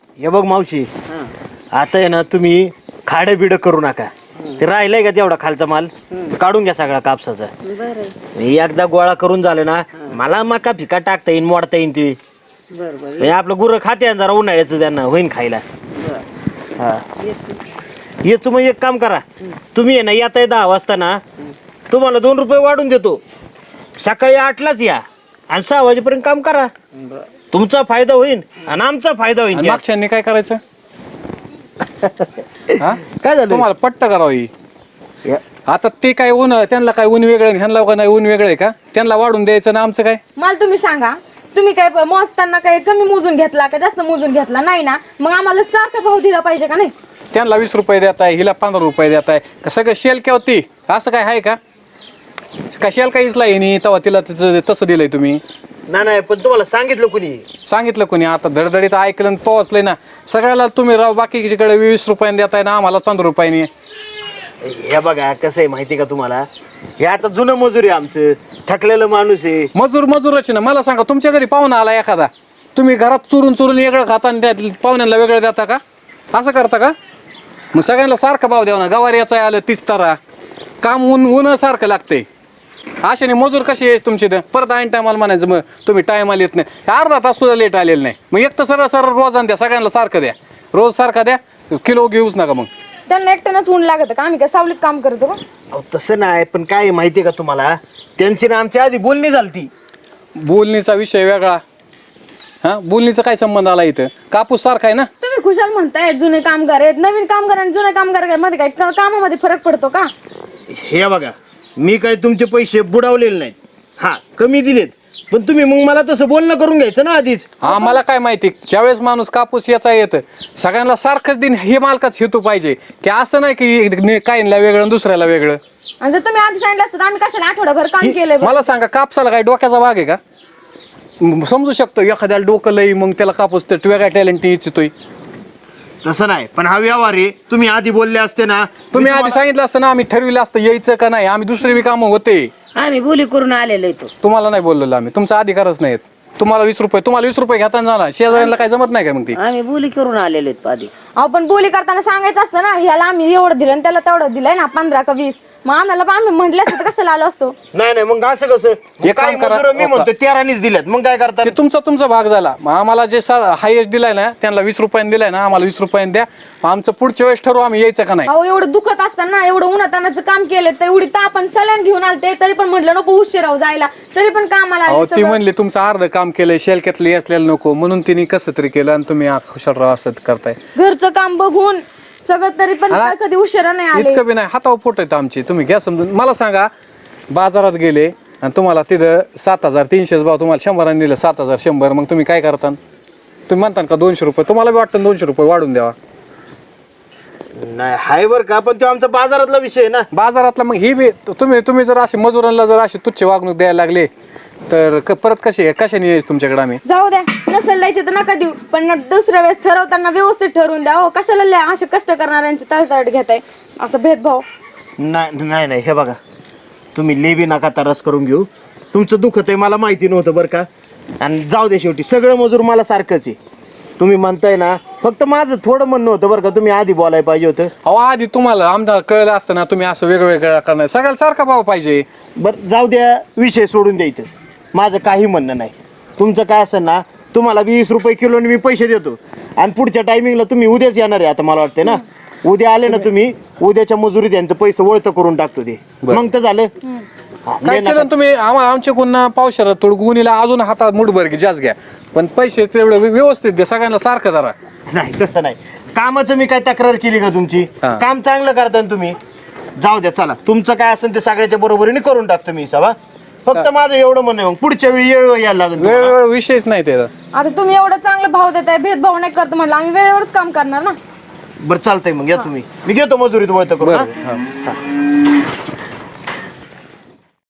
हे बघ मावशी, आता आहे ना तुम्ही खाडं बिडं करू नका. ते राहिलंय का तेवढा खालचा माल काढून घ्या सगळा कापसाचा. एकदा गोळा करून झालं ना मला मका फिका टाकता येईन, मोडता येईन ते. आपलं गुरं खाते जरा उन्हाळ्याचं त्यांना होईन खायला. हा येच मग एक काम करा, तुम्ही आहे ना येताय 10 वाजता ना, तुम्हाला 2 रुपये वाढून देतो. सकाळी 8लाच या आणि 6 वाजेपर्यंत काम करा. तुमचा फायदा होईल आणि आमचा फायदा होईल. मागच्यांनी काय करायचं? काय झालं तुम्हाला पट्ट करावी. आता ते काय ऊन, त्यांना काय ऊन वेगळं, ह्यांना काय ऊन वेगळं आहे का? त्यांना वाढून द्यायचं ना, आमचं काय? मला तुम्ही सांगा, तुम्ही काय मोजताना काय कमी मोजून घेतला का जास्त मोजून घेतला? नाही ना, मग आम्हाला सारखा भाव दिला पाहिजे का नाही? त्यांना 20 रुपये देत आहे, हिला 15 रुपये देत आहे का? सगळं शेल केव्हा ती असं काय आहे का? शेल काहीच नाही तेव्हा तिला तसं दिलंय तुम्ही? नाही पण तुम्हाला सांगितलं कुणी? सांगितलं कोणी? आता धडधडीत ऐकलं पोहोचलंय ना सगळ्याला. तुम्ही राव बाकीकडे 20 रुपयाने देताय ना, आम्हाला 15 रुपयाने. हे बघा कसं आहे माहिती का तुम्हाला, हे आता जुनं मजूर आहे आमचं, थकलेलं माणूस आहे. मजूरच ना. मला सांगा, तुमच्या घरी पाहुणा आला एखादा, तुम्ही घरात चुरून वेगळं खाता आणि त्या पाहुण्यांना वेगळं देता का? असं करता का? मग सगळ्यांना सारखा भाव द्यावा ना. गवार याचा आलं 30 तारा, काम ऊन सारखं लागतंय. अशाने मजूर कशी आहे तुमची? परत ऐन टायमाला म्हणायचं मग तुम्ही टायमाला येत नाही. अर्धा तास सुद्धा लेट आलेलं नाही. मग एक तर सरळ रोजान द्या, सगळ्यांना सारखं द्या, रोज सारखा द्या, किलो घेऊच नका. मग त्यांना एकट्यानंच ऊन लागत का? आम्ही काय सावलीत काम करतो का? तसं नाही, पण काय आहे माहिती का तुम्हाला, त्यांची ना आमच्या आधी बोलणी झालती. बोलणीचा विषय वेगळा. बोलणीचा काय संबंध आला इथं? कापूस सारखा आहे ना. तुम्ही खुशाल म्हणताय जुने कामगार आहेत, नवीन कामगार आणि जुने कामगार मध्ये काय कामामध्ये फरक पडतो का? हे बघा, मी काय तुमचे पैसे बुडवलेले नाहीत, हा कमी दिलेत, पण तुम्ही मग मला तसं बोलणं करून घ्यायचं ना आधीच. मला काय माहिती, ज्यावेळेस माणूस कापूस याचा येतं सगळ्यांना सारखंच दिन हे मालकाच हेतू पाहिजे की असं नाही की काहींना वेगळं दुसऱ्याला वेगळं. आणि जर तुम्ही आधी सांगितलं असतं आम्ही कशाला आठवडाभर काम केलंय? मला सांगा, कापसाला काय डोक्याचा भाग आहे का? समजू शकतो एखाद्याला डोकं लई, मग त्याला कापूस तर वेगळ्या टॅलेंट इच्छितोय. तसं नाही, पण हा व्यवहार आहे. तुम्ही आधी बोलले असते ना, तुम्ही आधी सांगितलं असतं ना, आम्ही ठरविलं असतं यायचं का नाही. आम्ही दुसरे बी कामं होते, आम्ही बोली करून आलेलो आहे. तुम्हाला नाही बोललेलो आम्ही. तुमचा अधिकारच नाहीत. तुम्हाला 20 रुपये घेताना झाला, शेजाऱ्यांना काय जमत नाही का? मग ती आम्ही बोली करून आलेलो आहेत आधीच. आपण बोली करताना सांगायचं असतं ना, ह्याला आम्ही एवढं दिलं आणि त्याला तेवढं दिलंय ना, 15 का 20. मग आम्हाला आम्ही म्हटलं असतं तर कशाला आलो असतो? नाही मग असं कसं? एक काम करा, मी म्हणतो 13नीच दिल्यात, मग काय करता? ते तुमचा भाग झाला. मग आम्हाला जे हायेस्ट दिलाय ना, त्यांना 20 रुपयाने दिलाय ना, आम्हाला 20 रुपयाने द्या. आमचं पुढच्या वेळेस ठरवू आम्ही यायचं का नाही. अहो, एवढं दुखत असताना, एवढं उन्हातानाचं काम केलं, तर एवढी आपण सल्यान घेऊन आलते तरी पण म्हटलं नको उशीर राहू जायला, तरी पण कामाला अहो, ती म्हणली तुमचं अर्ध काम केलंय, शेलक्यातलं असलेलं नको, म्हणून तिने कसं तरी केलं आणि तुम्ही खुशाल राहा असं करताय. घरचं काम बघून सगळं, तरी पण कधी उशिरा नाही आले. इतकं बी नाही, हातावर पोट आहेत आमची. तुम्ही घ्या समजून. मला सांगा, बाजारात गेले आणि तुम्हाला तिथं 7300 भाव, तुम्हाला 100 दिलं 7100, मग तुम्ही काय करता? तुम्ही म्हणता का 200 रुपये? तुम्हाला बी वाटतं 200 रुपये वाढून द्यावा? नाही हाय बर का, पण तो आमचा बाजारातला विषय आहे ना. बाजारातला मग ही बी तुम्ही जर असे मजुरांना जर अशी तुच्छ वागणूक द्यायला लागले तर परत कशाने यायचं तुमच्याकडे आम्ही? जाऊ द्या, नसेल द्यायचे तर नका देऊ, पण दुसऱ्या वेळेस ठरवताना व्यवस्थित ठरवून द्या. हो, कशाला असे कष्ट करणाऱ्यांची तळतळ घेताय, असं भेदभाव? नाही हे बघा, तुम्ही लेबी नका तरस करून घेऊ. तुमचं दुखत आहे मला माहिती नव्हतं बरं का. आणि जाऊ दे, शेवटी सगळं मजूर मला सारखंच आहे. तुम्ही म्हणताय ना, फक्त माझं थोडं म्हणणं होतं बरं का, तुम्ही आधी बोलायला पाहिजे होतं. अहो, आधी तुम्हाला आमचा कळलं असतं ना, तुम्ही असं वेगवेगळं करणार. सगळ्याला सारखा भाव पाहिजे. बरं जाऊ द्या, विषय सोडून द्यायचं. माझं काही म्हणणं नाही. तुमचं काय असेल ना, तुम्हाला 20 रुपये किलोने मी पैसे देतो आणि पुढच्या टायमिंगला तुम्ही उद्याच येणार आहे. आता मला वाटतं ना, उद्या आले ना तुम्ही, उद्याच्या मजुरीत यांचं पैसे वळतं करून टाकतो ते. मग तर झालं. काय केलं तुम्ही? आमच्या गुन्हा पावसाळ्यात थोडं गुन्हेला अजून हातात मुठभर जास्त घ्या, पण पैसे तेवढं व्यवस्थित द्या, सगळ्यांना सारखं जरा. नाही तसं नाही. कामाचं मी काय तक्रार केली का तुमची? काम चांगलं करता ना तुम्ही. जाऊ द्या, चला तुमचं काय असेल ते सगळ्याच्या बरोबरीने करून टाकतो मी सभा. फक्त माझं एवढं म्हणणं, मग पुढच्या वेळी वेळ यायला लागेल. वेळ विषयच नाही त्याचा. आता तुम्ही एवढा चांगला भाव देताय, भेदभाव नाही करतो म्हटलं, आम्ही वेळेवरच काम करणार ना. बरं चालतंय, मग या तुम्ही. मी घेतो मजुरीत वळतं करून.